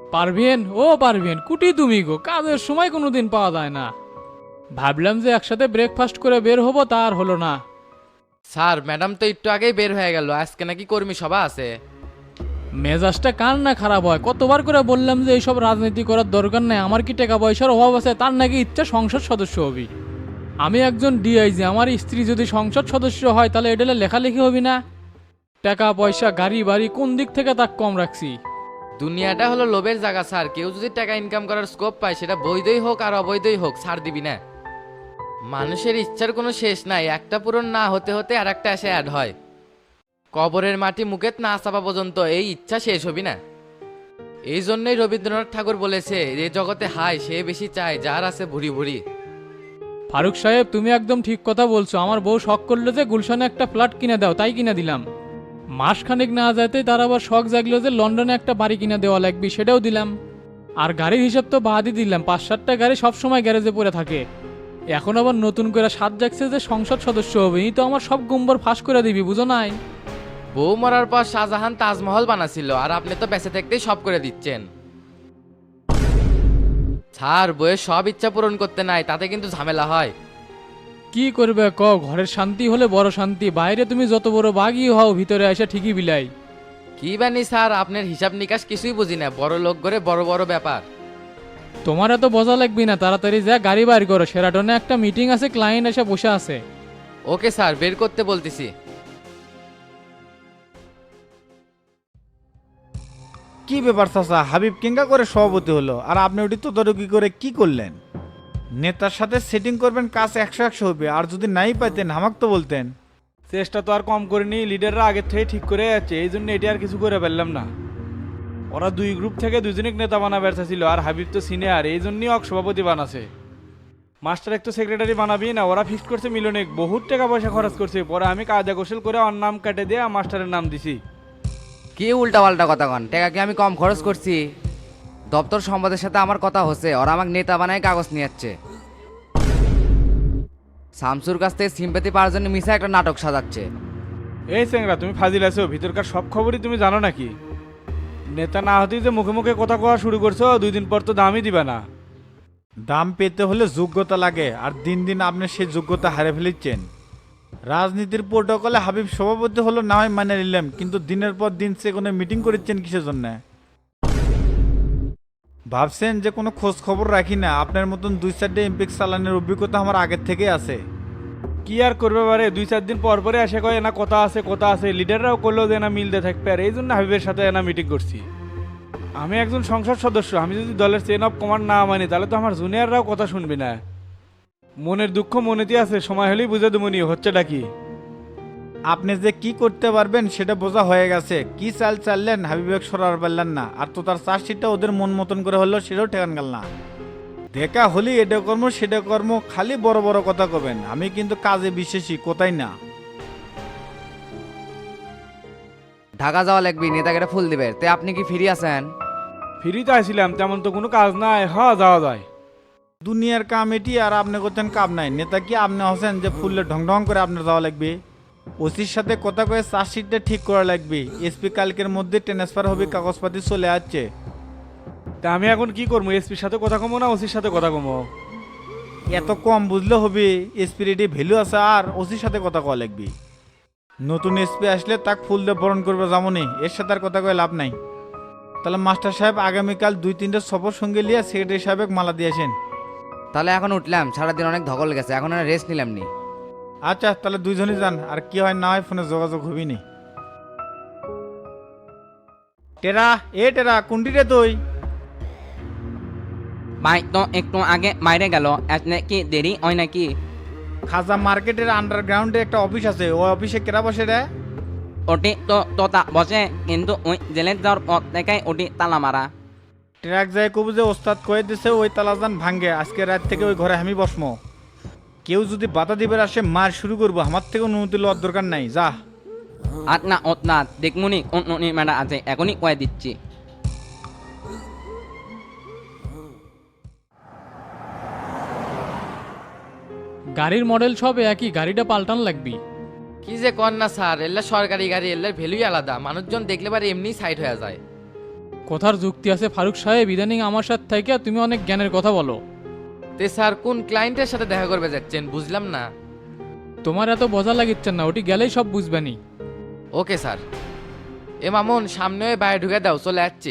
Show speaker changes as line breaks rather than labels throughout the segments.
পারবেন ও পারবেন কুটি তুমি গো, কাজের সময় কোনোদিন পাওয়া যায় না। ভাবলাম যে একসাথে ব্রেকফাস্ট করে বের হবো, তা আর হলো না।
স্যার ম্যাডাম তো একটু আগেই বের হয়ে গেল, আজকে নাকি কর্মী সভা আছে।
মেজাজটা কার না খারাপ হয়, কতবার করে বললাম যে এইসব রাজনীতি করার দরকার নেই, আমার কি টাকা পয়সার অভাব আছে, তার নাকি ইচ্ছা সংসদ সদস্য হবি। আমি একজন ডিআইজি, আমার স্ত্রী যদি সংসদ সদস্য হয় তাহলে এটা লেখালেখি হবি না? টাকা পয়সা গাড়ি বাড়ি কোন দিক থেকে তাক কম রাখছি?
দুনিয়াটা হলো লোভের জায়গা স্যার, কেউ যদি টাকা ইনকাম করার স্কোপ পায় সেটা বৈধই হোক আর অবৈধই হোক ছাড় দিবি না। মানুষের ইচ্ছার কোনো শেষ নাই, একটা পূরণ না হতে হতে আর একটা এসে অ্যাড হয়। কবরের মাটি মুখেত না চাপা পর্যন্ত এই ইচ্ছা শেষ হবি না। এই জন্যই রবীন্দ্রনাথ ঠাকুর বলেছে, এ জগতে হায় সে বেশি চায় যার আছে ভুরি ভুরি।
ফারুক সাহেব, তুমি একদম ঠিক কথা বলছো। আমার বউ শখ করলো যে গুলশানে একটা ফ্ল্যাট কিনে দাও, তাই কিনে দিলাম। মাসখানেক না যেতেই তার আবার শখ জাগলো যে লন্ডনে একটা বাড়ি কিনে দেওয়া লাগবে, সেটাও দিলাম। আর গাড়ির হিসাব তো বাদই দিলাম, 5-7টা গাড়ি সবসময় গ্যারেজে পড়ে থাকে। এখন আবার নতুন করে সাত জাগছে যে সংসদ সদস্য হবে, এই তো আমার সব গুম্বর ফাঁস করে দিবি, বুঝো নাই?
বউ মরার পর শাহজাহান তাজমহল বানাছিল আর আপনি তো বেঁচে থাকতেই সব করে দিচ্ছেন। স্যার বইয়ের সব ইচ্ছা পূরণ করতে নাই, তাতে কিন্তু ঝামেলা হয়।
কি করবে ক, ঘরের শান্তি হলে বড় শান্তি, বাইরে তুমি যত বড় বাঘই হও ভিতরে এসে ঠিকই বিলাই।
কি বানি স্যার, আপনার হিসাব নিকাশ কিছুই বুঝি না, বড় লোক করে বড় বড় ব্যাপার।
তোমার এত বোঝা লাগবে না, তাড়াতাড়ি যা গাড়ি বাইর করো, সেরাটনে একটা মিটিং আছে, ক্লায়েন্ট এসে বসে আছে।
ওকে স্যার, বের করতে বলতেছি।
কি ব্যাপার চাচা, হাবিব কেঙ্গা করে সভাপতি হলো আর আপনি ওটি তদারকি করে কি করলেন? নেতার সাথে সেটিং করবেন, কাজ 100-100 হবে, আর যদি নাই পাইতেন হামাক তো বলতেন।
চেষ্টা তো আর কম করিনি, লিডাররা আগের থেকে ঠিক করে যাচ্ছে, এই জন্য এটি আর কিছু করে পারলাম না। ওরা দুই গ্রুপ থেকে দুজনক নেতা বানাবে ছিল, আর হাবিব তো সিনিয়র, এই জন্যই অক সভাপতি বানাছে। মাস্টার এক তো সেক্রেটারি বানাবি না, ওরা ফিক্সড করছে মিলনে বহুত টাকা পয়সা খরচ করছে, পরে আমি কায়দা কৌশল করে ওর নাম কেটে দিয়ে মাস্টারের নাম দিছি।
কি উল্টা পাল্টা কথা কন, টাকা কি আমি কম খরচ করছি? দপ্তর সম্পাদের সাথে আমার কথা হচ্ছে, ওরা আমাকে নেতা বানায় কাগজ নিয়ে যাচ্ছে। শামসুর কাছ থেকে সিম্পাতি পাওয়ার জন্য মিশা একটা নাটক সাজাচ্ছে।
এই চেংরা, তুমি ফাজিল আছো, ভিতরকার সব খবরই তুমি জানো নাকি? নেতা না হতেই যে মুখে মুখে কথা কওয়া শুরু করছো, 2 দিন পর তো দামই দিবা না।
দাম পেতে হলে যোগ্যতা লাগে, আর দিন দিন আপনি সেই যোগ্যতা হারে ফেলিচ্ছেন। রাজনীতির প্রোটোকলে হাবিব সভাপতি হলো না হয় মানে নিলাম, কিন্তু দিনের পর দিন সে কোনো মিটিং করেছেন কিসের জন্য? ভাবছেন যে কোনো খোঁজ খবর রাখি না? আপনার মতন 2-4টে এমপিক চালানের অভিজ্ঞতা আমার আগের থেকে আছে।
কি আর করবে পারে, 2-4 দিন পর পরে এসে কয় না কথা আছে কথা আছে, লিডাররাও করলো যে না মিলতে থাকবে, আর এই জন্য হাবিবের সাথে না মিটিং করছি। আমি একজন সংসদ সদস্য, আমি যদি দলের চেন অফ কমান্ড না মানি তাহলে তো আমার জুনিয়ররাও কথা শুনবি না। মনের দুঃখ মনেতে আছে, সময় হলেই বুঝে দেবনি হচ্ছেটা কি।
আপনি যে কি করতে পারবেন সেটা বোঝা হয়ে গেছে। কি চাল চাললেন, হাবিবেক সরার পারলেন না, আর তো তার চার্জশিটটা ওদের মন মতন করে হলো, সেটাও ঠেকান গেল না। দেখা হলি এটা কর্ম সেটা কর্ম, খালি বড় বড় কথা কবেন। আমি কিন্তু কাজে বিশ্বাসী, কোথায় না।
ঢাকা যাওয়া লাগবে, নেতাকে ফুল দিবে, তে আপনি কি ফ্রি আছেন?
ফ্রিতে আসছিলাম, তেমন তো কোনো কাজ নাই, হ্যাঁ যাওয়া যায়।
দুনিয়ার কাম এটি, আর আপনি করতেন কাম নাই। নেতা কি আপনি হচ্ছেন যে ফুললে ঢং ঢং করে আপনার যাওয়া লাগবে? ওসির সাথে কথা কয়ে চার্জশিটটা ঠিক করা লাগবে। এসপি কালকের মধ্যে ট্রান্সফার হবে, কাগজপাতি চলে আসছে।
তা আমি এখন কি করবো, এসপির সাথে কথা কমো না ওসির সাথে কথা কমো?
এত কম বুঝলে হবে? এসপির এটি ভ্যালু আছে, আর ওসির সাথে কথা কওয়া লাগবে। নতুন এসপি আসলে তাক ফুল দিয়ে বরণ করবে যেমনই, এর সাথে আর কথা কয়ে লাভ নাই। তাহলে মাস্টার সাহেব আগামীকাল 2-3টে সফর সঙ্গে নিয়ে সেক্রেটারি সাহেব মালা দিয়েছেন।
তাহলে এখন উঠলাম, সারাদিন অনেক ধকল গেছে, এখন রেস্ট নিলাম নি।
আচ্ছা তাহলে দুইজনই যান, আর কি হয় না হয় ফোনে যোগাযোগ হবি নি। টেরা টেরা কোনটি রে তুই?
ভাই তো একটু আগে বাইরে গেল, আসলে কি দেরি হয় নাকি?
খাজা মার্কেটের আন্ডারগ্রাউন্ডে একটা অফিস আছে, ওই অফিসে কেরা বসে রে?
ওটি তো তোতা বসে, কিন্তু ওই জেলে যাওয়ার পর থেকে ওটি তালা মারা।
ট্রাক যায় কবু যে ওস্তাদ কয়ে দিছে ওই তালাজান ভাঙ্গে, আজকে রাত থেকে ওই ঘরে আমি বসমো। কেউ যদি বাধা দিবার আসে মার শুরু করবো, আমার থেকে অনুমতি লওয়ার দরকার নাই, যা।
আর না ওত না, দেখমুনি কোন ম্যাডা আছে, এখনই কয়ে দিচ্ছি।
গাড়ির মডেল সব একই, গাড়িটা পাল্টান লাগবি।
কি যে কর না স্যার, এল্লা সরকারি গাড়ি, এল্লার ভ্যালুই আলাদা, মানুষজন দেখলে পারে এমনি সাইড হয়ে যায়।
কথার যুক্তি আছে ফারুক সাহেব, ইদানিং আমার সাথে থেকে তুমি অনেক জ্ঞানের কথা বলো।
তে স্যার কোন ক্লায়েন্টের সাথে দেখা করবে যাচ্ছেন বুঝলাম না।
তোমার এত বোঝা লাগিচ্ছে না, ওটি গেলেই সব বুঝবেনি।
Okay sir. এ মামুন সামনে হয়ে বাইরে ঢুকে দাও, চলে যাচ্ছি।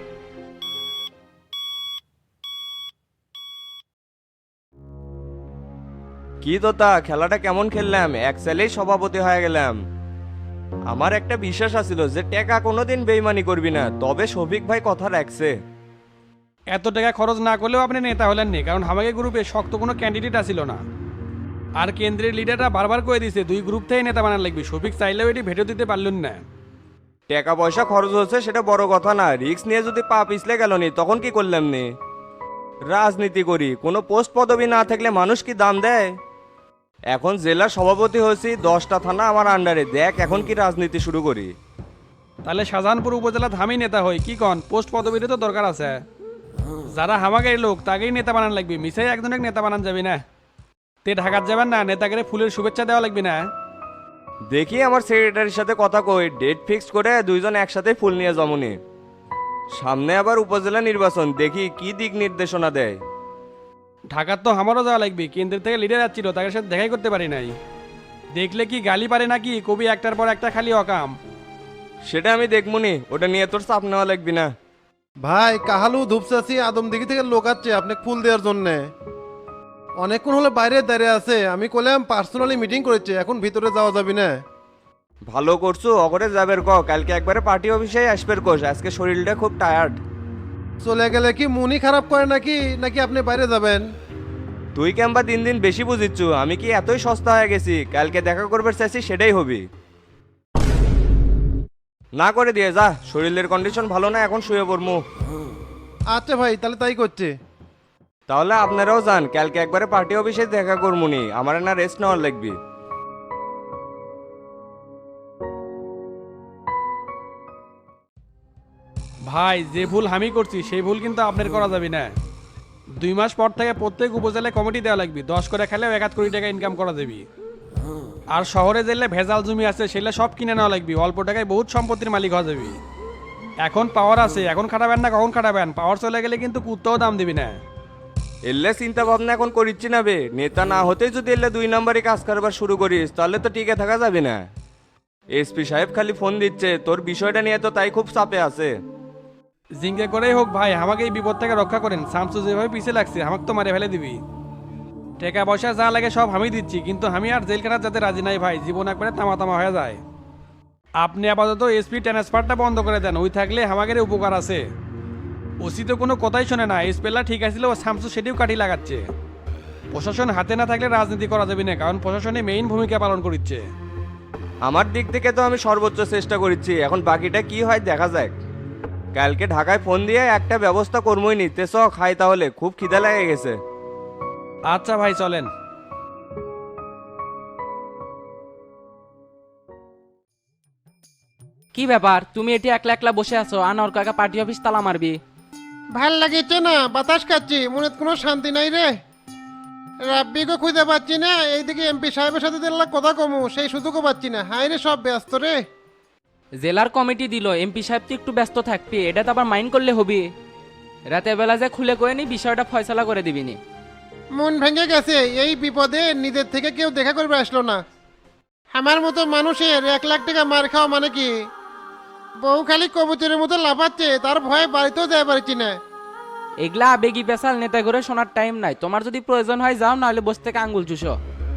কি তোতা, খেলাটা কেমন খেললাম? এক সালেই সভাপতি হয়ে গেলাম। আমার একটা বিশ্বাস আছিল যে টেকা কোনোদিন বেইমানি করবি না, তবে শফিক ভাই কথা রাখছে।
এত টাকা খরচ না করলেও আপনি নেতা হলেন নি, কারণ আমাকে গ্রুপে শক্ত কোনো ক্যান্ডিডেট আসিল না। আর কেন্দ্রের লিডাররা বারবার করে দিছে 2 গ্রুপ থেকে নেতা বানান লাগবে, শফিক চাইলেও এটি ভেটো দিতে পারলেন না।
টাকা পয়সা খরচ হচ্ছে সেটা বড় কথা না, রিস্ক নিয়ে যদি পা পিছলে গেল নি তখন কি করলাম নি? রাজনীতি করি, কোনো পোস্ট পদবি না থাকলে মানুষ কি দাম দেয়? এখন জেলার সভাপতি হয়েছি, 10টা থানা আমার আন্ডারে, দেখ এখন কি রাজনীতি শুরু করি।
তাহলে শাহজাহানপুর উপজেলা থামি নেতা হই কি কন? পোস্ট পদবীরও তো দরকার আছে। যারা হামাগাই লোক তাকেই নেতা বানান লাগবে, মিশাই একজনের নেতা বানান যাবি না। তে ঢাকাত যাবেন না, নেতাকে ফুলের শুভেচ্ছা দেওয়া লাগবে না?
দেখি আমার সেক্রেটারির সাথে কথা কই, ডেট ফিক্স করে দুইজন একসাথে ফুল নিয়ে জমনি। সামনে আবার উপজেলা নির্বাচন, দেখি কি দিক নির্দেশনা দেয়।
ঢাকার তো আমারও যাওয়া লাগবে, কেন্দ্রের থেকে লিডার যাচ্ছিল, তাদের সাথে দেখাই করতে পারি নাই। দেখলে কি গালি পারে নাকি? কবি একটার পর একটা খালি অকাম।
সেটা আমি দেখমুনি, ওটা নিয়ে তোর চাপ নেওয়া লাগবি না।
ভাই কাহালু ধূপচাচি আদমদিঘি থেকে লোক আসছে আপনাকে ফুল দেওয়ার জন্য। অনেকক্ষণ হলে বাইরে দাঁড়িয়ে আছে, আমি কইলাম পার্সোনালি মিটিং করেছে, এখন ভিতরে যাওয়া যাবে না।
ভালো করছো, অগরে যাবের ক, কালকে একবারে পার্টি অফিসে আসবের কোষ, আজকে শরীরটা খুব টায়ার্ড।
চলে গেলে কি মনই খারাপ করে নাকি নাকি আপনি বাইরে যাবেন?
তুই কেমবা দিন দিন বেশি বুঝিচ্ছ, আমি কি এতই সস্তা হয়ে গেছি? কালকে দেখা করবে চাইছি সেটাই হবি। না করে দিয়ে যা, শরীরের কন্ডিশন ভালো না, এখন শুয়ে পড়মু।
আচ্ছা ভাই, তাহলে তাই করছে।
তাহলে আপনারাও যান, কালকে একবারে পার্টি অফিসে দেখা করমুনি, আমার না রেস্ট নেওয়ার লাগবে।
ভাই যে ভুল আমি করছি সেই ভুল কিন্তু আপনার করা যাবে না। 2 মাস পর থেকে প্রত্যেক উপজেলায় কমিটি দেওয়া লাগবে, 10 করে খেলেও 1 কোটি টাকা ইনকাম করা যাবে। আর শহরে যেলে ভেজাল জমি আছে সেগুলো সব কিনে নেওয়া লাগবে, অল্প টাকায় বহুত সম্পত্তির মালিক হওয়া যাবে। এখন পাওয়ার আছে, এখন খাটাবেন না কখন খাটাবেন? পাওয়ার চলে গেলে কিন্তু কুত্তাও দাম দিবি না।
এলে চিন্তা ভাবনা এখন করিচ্ছি না বে, নেতা না হতেই যদি এলে 2 নম্বরে কাজ করবার শুরু করিস তাহলে তো টিকে থাকা যাবে না। এসপি সাহেব খালি ফোন দিচ্ছে, তোর বিষয়টা নিয়ে তো তাই খুব চাপে আছে।
জিঙ্গে করেই হোক ভাই, আমাকে এই বিপদ থেকে রক্ষা করেন। শামসু যেভাবে পিছিয়ে লাগছে আমাকে তো মারে ফেলে দিবি। টাকা পয়সা যা লাগে সব আমি দিচ্ছি, কিন্তু আমি আর জেল খাটার যাতে রাজি নাই ভাই, জীবন একবারে তামা তামা হয়ে যায়। আপনি আপাতত এসপি ট্রান্সফারটা বন্ধ করে দেন, ওই থাকলে আমাদের উপকার আছে। ওসি তো কোনো কথাই শোনে না, এসপেলা ঠিক আছিল, ও শামসু সেটিও কাটি লাগাচ্ছে। প্রশাসন হাতে না থাকলে রাজনীতি করা যাবে না, কারণ প্রশাসনে মেইন ভূমিকা পালন করছে।
আমার দিক থেকে তো আমি সর্বোচ্চ চেষ্টা করেছি, এখন বাকিটা কি হয় দেখা যাক। কালকে ঢাকায় ফোন দিয়ে একটা ব্যবস্থা করবই নি, তেস খাই তাহলে, খুব খিদে লেগে গেছে।
আচ্ছা ভাই চলেন।
কি ব্যাপার, তুমি এটি একলা একলা বসে আছো, আনোয়ার কাকা পার্টি অফিস তালা মারবি?
ভাল লাগেছে না, বাতাস খাচ্ছি, মনে কোনো শান্তি নাই রে। রাব্বিকে খুঁজে পাচ্ছি না, এইদিকে এমপি সাহেবের সাথে দিল্লা কথা কমু, সেই সুযোগও পাচ্ছি না। হাই রে, সব ব্যস্ত রে।
জেলার কমিটি দিল, এমপি সাহেব তো একটু ব্যস্ত থাকবি, এটা তো আবার মাইন্ড করলে হবি। রাতের বেলা যে খুলে করে নি বিষয়টা ফয়সালা করে দিবিনি।
মন ভেঙে গেছে, এই বিপদে নিজের থেকে কেউ দেখা করবে আসলো না। আমার মতো মানুষের 1 লাখ টাকা মার খাওয়া মানে কি? বউ খালি কবুতরের মতো লাফাচ্ছে, তার ভয়ে বাড়িতেও যায় পারছি না।
এগুলা আবেগি পেশাল, নেতা করে শোনার টাইম নাই। তোমার যদি প্রয়োজন হয় যাও, নাহলে বসে থেকে আঙ্গুল চুষো।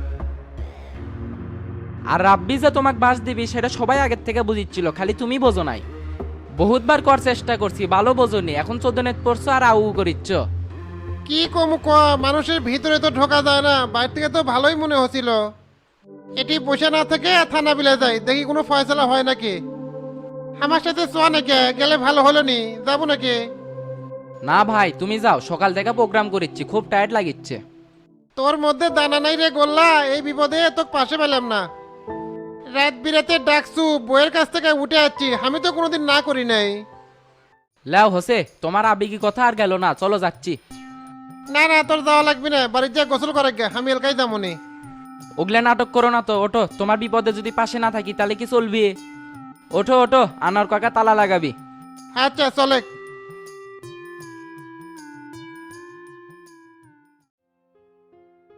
আর রাব্বি যে তোমাকে বাস দিবি সেটা সবাই আগের থেকে বুঝিচ্ছিল, খালি তুমি বোঝো নাই। বহুতবার কর চেষ্টা করছি, ভালো বোঝনি, এখন 14 নেট পড়ছো আর আউ করিচ্ছ।
কি কম ক, মানুষের ভিতরে তো ঢোকা যায় না, বাইরে থেকে তো ভালোই মনে হচ্ছিল। এটি বসে না থেকে থানা বিলে যাই, দেখি কোনো ফয়সলা হয় নাকি। আমার সাথে চোয়া নাকি, গেলে ভালো হলো নি, যাবো নাকি?
না ভাই তুমি যাও, সকাল থেকে প্রোগ্রাম করিচ্ছি, খুব টায়ার্ড লাগিচ্ছে।
তোর মধ্যে দানা নাই রে গোল্লা, এই বিপদে তোকে পাশে পেলাম না। রাত বিরাতে ডাকছু, বইয়ের কাছ থেকে উঠে যাচ্ছি, আমি তো কোনোদিন না করি নাই।
লাও হোসে, তোমার আবেগি কথা আর গেল না, চলো যাচ্ছি।
না না, তোর যাওয়া লাগবে না, বাড়ির যা গোসল করে গে, আমি এলাকায় যাবো নি।
ওগুলা নাটক করো না তো, ওঠো। তোমার বিপদে যদি পাশে না থাকি তাহলে কি চলবি? ওঠো ওঠো, আনোয়ার কাকা তালা লাগাবি।
আচ্ছা চলে।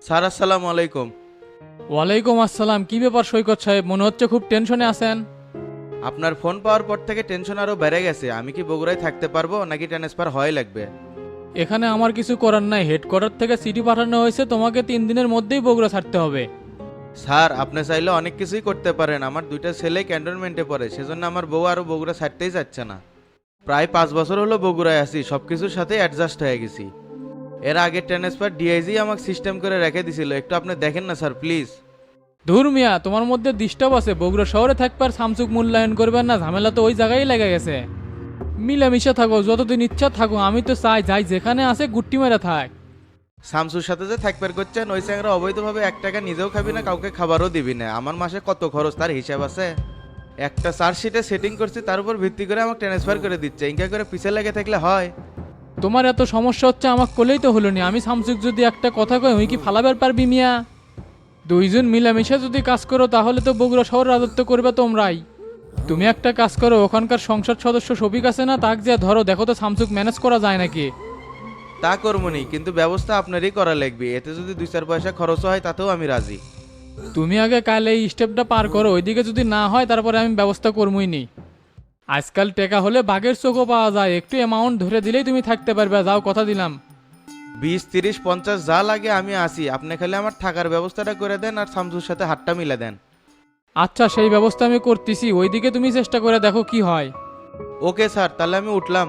স্যার আসসালামু আলাইকুম।
ওয়ালাইকুম আসসালাম। কি ব্যাপার সৈকত সাহেব, মনে হচ্ছে খুব টেনশনে আছেন।
আপনার ফোন পাওয়ার পর থেকে টেনশন আরো বেড়ে গেছে। আমি কি বগুড়ায় থাকতে পারবো নাকি ট্রান্সফার হয় লাগবে?
এখানে আমার কিছু করার নাই, হেডকোয়ার্টার থেকে চিঠি পাঠানো হয়েছে, তোমাকে 3 দিনের মধ্যেই বগুড়া ছাড়তে হবে।
স্যার আপনি চাইলে অনেক কিছুই করতে পারেন। আমার 2টা ছেলে ক্যান্টনমেন্টে পড়ে, সেজন্য আমার বউ আরো বগুড়া ছাড়তেই যাচ্ছে না। প্রায় 5 বছর হলো বগুড়ায় আছি, সব কিছুর সাথে অ্যাডজাস্ট হয়ে গেছি। এর আগে ট্রান্সফার ডিআইজি আমাকে সিস্টেম করে রেখে দিছিল, একটু আপনি দেখেন না স্যার প্লিজ।
ধুর মিয়া, তোমার মধ্যে ডিস্টার্ব আছে। বগুড়া শহরে থাকবার সামসুক মূল্যায়ন করবেন না, ঝামেলা তো ওই জায়গায় লেগে গেছে। মিলামিশা থাকো, যতদিন ইচ্ছা থাকো। আমি তো চাই যাই যেখানে আছে গুট্টি মেরে থাক।
শামসুর সাথে যে থাকবার করছেন, ওই চ্যাংরা অবৈধভাবে 1 টাকা নিজেও খাবি না, কাউকে খাবারও দিবি না। আমার মাসে কত খরচ তার হিসাব আছে। একটা চার্জশিটে সেটিং করছি, তার উপর ভিত্তি করে আমাকে ট্রান্সফার করে দিচ্ছে। ইনকা করে পিছে লেগে থাকলে হয়?
তোমার এত সমস্যা হচ্ছে, আমাকে কোলেই তো হলো নি। আমি সামসুক যদি একটা কথা কই, ওই কি ফালাবার পারবি মিয়া? দুইজন মিলামিশা যদি কাজ করো তাহলে তো বগুড়া শহর রাজত্ব করবে তোমরাই। তুমি একটা কাজ করো, ওখানকার সংসদ সদস্য শফিক আছে না, তাক যে ধরো, দেখো তো সামসুক ম্যানেজ করা যায় নাকি।
তা করবনি, কিন্তু ব্যবস্থা আপনারই করা লাগবে। এতে যদি 2-4 পয়সা খরচ হয় তাতেও আমি রাজি।
তুমি আগে কাল এই স্টেপটা পার করো, ওইদিকে যদি না হয় তারপরে আমি ব্যবস্থা করবই নি। আজকাল টাকা হলে বাঘের চোখও পাওয়া যায়, একটু অ্যামাউন্ট ধরে দিলেই তুমি থাকতে পারবে। যাও, কথা দিলাম।
20, 30, 50 যা লাগে আমি আসি। আপনি খালি আমার থাকার ব্যবস্থাটা করে দেন আর শামসুর সাথে হাতটা মিলে দেন।
আচ্ছা, সেই ব্যবস্থা আমি করতেছি, ওইদিকে তুমি চেষ্টা করে দেখো কি হয়।
ওকে স্যার, তাহলে আমি উঠলাম।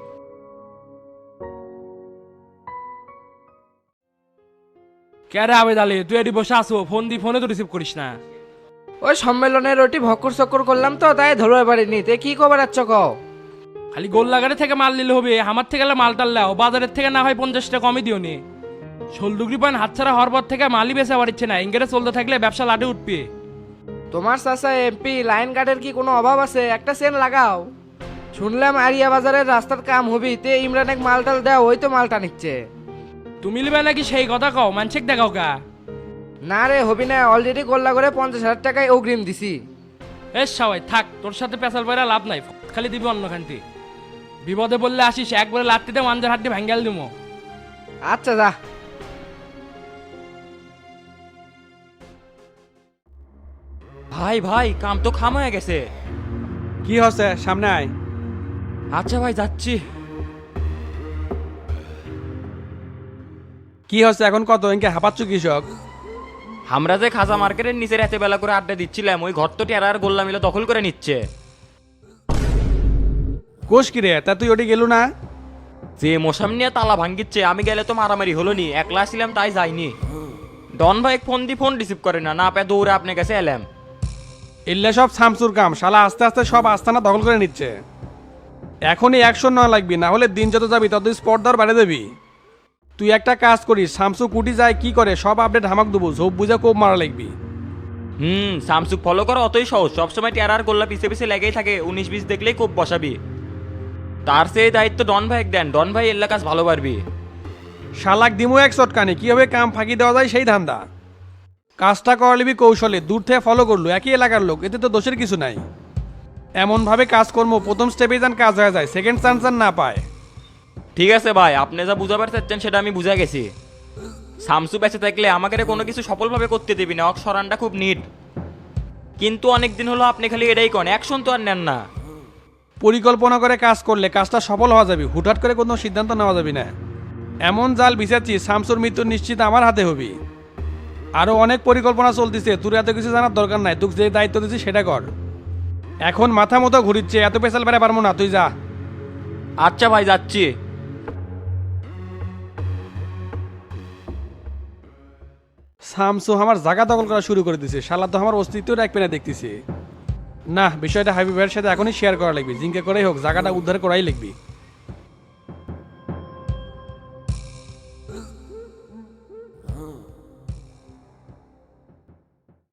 কেরে আবেদ আলী, তুই এটি বসে আসো, ফোন দি, ফোনে তো রিসিভ করিস না।
ওই সম্মেলনের ওটি ভক্কর চক্কর করলাম তো, তাই ধরতে পারিনি। তে কি খবর আছো কও?
খালি গোল্লাগাড়ি থেকে মাল নিলে হবে, আমার থেকে মাল টাল্লাও, বাজারের থেকে না হয় 50 টাকা কমই দিও নি। 16 পয়েন্ট হাতছাড়া হওয়ার পর থেকে মালই বেচা পারছে না, ইংরেজ চলতে থাকলে ব্যবসা লাটে উঠবে।
তোমার চাচা এমপি, লাইন গার্ডের কি কোনো অভাব আছে? একটা চেন লাগাও। শুনলাম আরিয়া বাজারের রাস্তার কাম হবি, তে ইমরান এক মালটাল দেও, ওই তো মালটা নিচ্ছে।
তুমি লিবে নাকি সেই কথা কও, মানসিক দেখাও কা?
না রে, হবি না, অলরেডি গোল্লা করে 50,000 টাকায় অগ্রিম দিছি।
এ সবাই থাক, তোর সাথে পেশাল পয়রা লাভ নাই, খালি দিবি অন্য খানটি। বিপদে বললে আসিস, একবারে লাত্তিতে মাঞ্জার হাড্ডি ভাঙ্গাল দিমো।
আচ্ছা যা।
ভাই ভাই, কাম তো খাম হয়ে গেছে।
কি হচ্ছে, সামনে আয়।
আচ্ছা ভাই, যাচ্ছি।
কি হচ্ছে এখন, কত ইনকে হাঁপাচ্ছ কৃষক?
আমরা যে খাজা মার্কেটের নিচে রাতে বেলা করে আড্ডা দিচ্ছিলাম, ওই ঘর তো টেরার গোল্লা মিলে দখল করে নিচ্ছে।
কোষ কিরে, তা তুই ওটি গেলু না?
যে মশাম নিয়ে তালা ভাঙ্গিচ্ছে, আমি গেলে তো মারামারি হলো নি, একলা ছিলাম তাই যাইনি। ডন ভাই ফোন দি, ফোন রিসিভ করে না, না পেয়ে দৌড়ে আপনার কাছে এলাম।
এল্লা সব শামসুর কাম, শালা আস্তে আস্তে সব আস্তানা দখল করে নিচ্ছে। এখনই অ্যাকশন নেওয়া লাগবি, না হলে দিন যত যাবি তত স্পট দর বাড়িয়ে দেবি। তুই একটা কাজ করিস, শামসু কুটি যায় কি করে সব আপডেট হামাক দেবো, ঝোপ বুঝে কোপ মারা লাগবি।
স্যামসুং ফলো করা অতই সহজ, সবসময় টেরার গোল্লা পিছে পিছে লেগেই থাকে, 19-20 দেখলেই খুব বসাবি। তার সেই দায়িত্ব ডন ভাই দেন, ডন ভাই এল্লা কাজ ভালো পারবি।
শালাক দিমো এক চটকানি, কিভাবে কাম ফাঁকি দেওয়া যায় সেই ধান্দা। কাজটা করালিবি কৌশলে, দূর থেকে ফলো করলো, একই এলাকার লোক, এতে তো দোষের কিছু নাই। এমনভাবে কাজকর্ম প্রথম স্টেপে যান কাজ হয়ে যায়, সেকেন্ড চান্স আর না পায়।
ঠিক আছে ভাই, আপনি যা বুঝাবার চাচ্ছেন সেটা আমি বুঝা গেছি। শামসু বেঁচে থাকলে আমাকে কোনো কিছু সফলভাবে করতে দিবি না, সরানটা খুব নিট। কিন্তু অনেকদিন হলো আপনি খালি এটাই করেন, অ্যাকশন তো আর নেন না।
পরিকল্পনা করে কাজ করলে কাজটা সফল হওয়া যাবে, হুটহাট করে কোনো সিদ্ধান্ত নেওয়া যাবে না। এমন জাল বিছাচ্ছি, শামসুর মৃত্যু নিশ্চিত আমার হাতে হবি। আরও অনেক পরিকল্পনা চলতেছে, তোর এত কিছু জানার দরকার নাই, তোকে যে দায়িত্ব দিচ্ছি সেটা কর। এখন মাথা মতো ঘুরিচ্ছে, এত পেশাল বেড়ে পারবো না, তুই যা।
আচ্ছা ভাই, যাচ্ছি।
শামসু আমার জায়গা দখল করা শুরু করে দিছে, শালা তো আমার অস্তিত্ব রাখবে না দেখতেছি। না, বিষয়টা হাবিব ভাইয়ের সাথে এখনই শেয়ার করা লাগবে, জিঙ্কে করেই হোক জায়গাটা উদ্ধার করাই লাগবে।